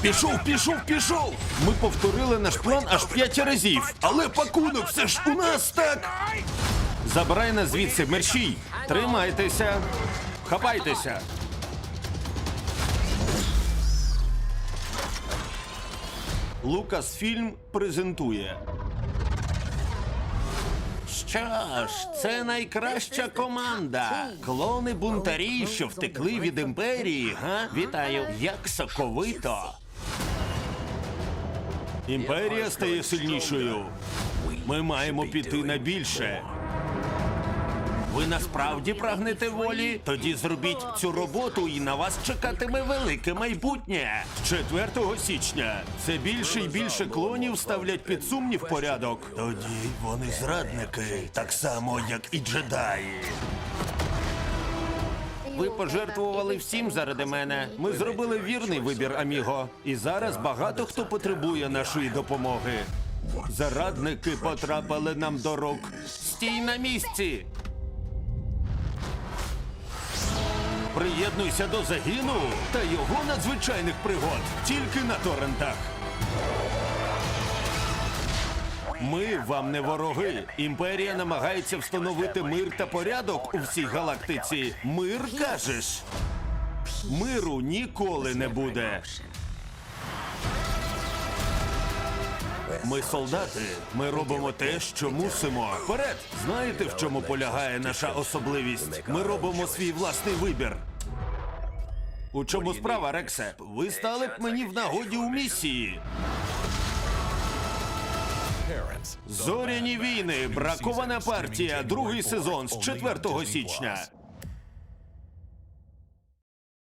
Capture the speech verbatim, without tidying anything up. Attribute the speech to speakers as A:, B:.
A: Пішов, пішов, пішов! Ми повторили наш план аж п'ять разів. Але пакунок все ж у нас, так? Забирай нас звідси, мерщій! Тримайтеся! Хапайтеся! Лукасфільм презентує. Що ж, це найкраща команда. Клони-бунтарі, що втекли від імперії, га? Вітаю, як соковито. Імперія стає сильнішою. Ми маємо піти на більше. Ви насправді прагнете волі? Тоді зробіть цю роботу і на вас чекатиме велике майбутнє. З четвертого січня все більше і більше клонів ставлять під сумнів порядок. Тоді вони зрадники, так само, як і джедаї. Ви пожертвували всім заради мене. Ми зробили вірний вибір, аміго. І зараз багато хто потребує нашої допомоги. Зарадники потрапили нам до рук. Стій на місці! Приєднуйся до загіну та його надзвичайних пригод тільки на торрентах. Ми вам не вороги. Імперія намагається встановити мир та порядок у всій галактиці. Мир, кажеш? Миру ніколи не буде. Ми солдати. Ми робимо те, що мусимо. Вперед! Знаєте, в чому полягає наша особливість? Ми робимо свій власний вибір. У чому справа, Рексе? Ви стали б мені в нагоді у місії. Зоряні війни. Бракована партія. Другий сезон з четвертого січня.